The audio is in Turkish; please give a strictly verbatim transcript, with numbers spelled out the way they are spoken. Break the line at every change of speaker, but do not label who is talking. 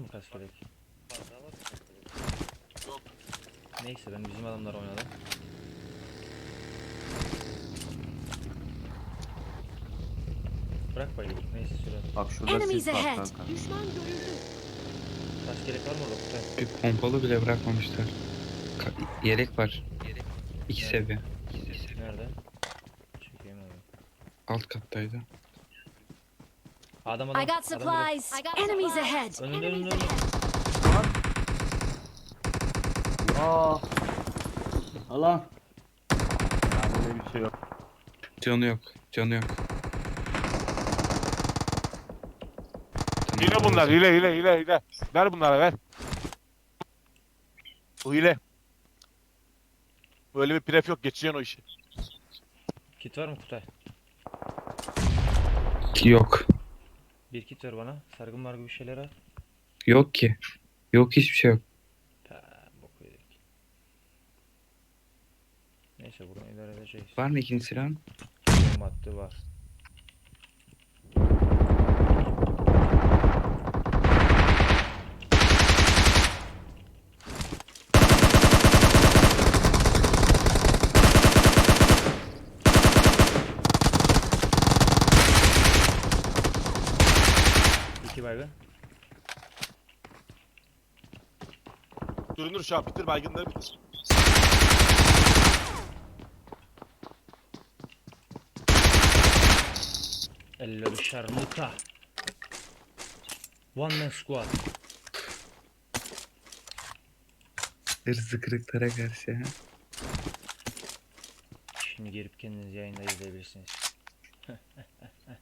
mı kask gerek?
Fazla var mı?
Yok.
Neyse ben bizim adamlar oynadım. Bırak bayılır. Neyse süre.
Bak şurada
Enemies
sis var
ahead.
kanka.
Düşman görüldü.
Kask gerek var mı orada Kutay?
Bir pompalı bile bırakmamışlar. Ka- yelek var. İki
Evet.
seviye.
Nerede? Çekeyim abi.
Alt kattaydı.
Adam adam.
I got
adam burada.
supplies. Enemies ahead.
Önünde önünde önünde.
Aa. Alan. Ya böyle bir şey yok.
Canı yok. Canı yok.
Hile bunlar, hile hile hile hile. Ver bunlara ver. Bu hile. Böyle bir pref yok, geçeceksin o işi.
Kit var mı Kutay?
Ki yok.
Bir kit ver bana. Sargın margı bir şeyler al.
Yok ki. Yok hiçbir şey yok.
Ha, boku yedik. Neyse buradan idare edeceğiz.
Var mı ikinci silahın?
Madde var. İki baygın.
Görünür şu an, bitir baygınları bitir.
Eller şarmuta. One man squad.
Hırzı kırıklara karşı ha.
Şimdi girip kendiniz yayında izleyebilirsiniz.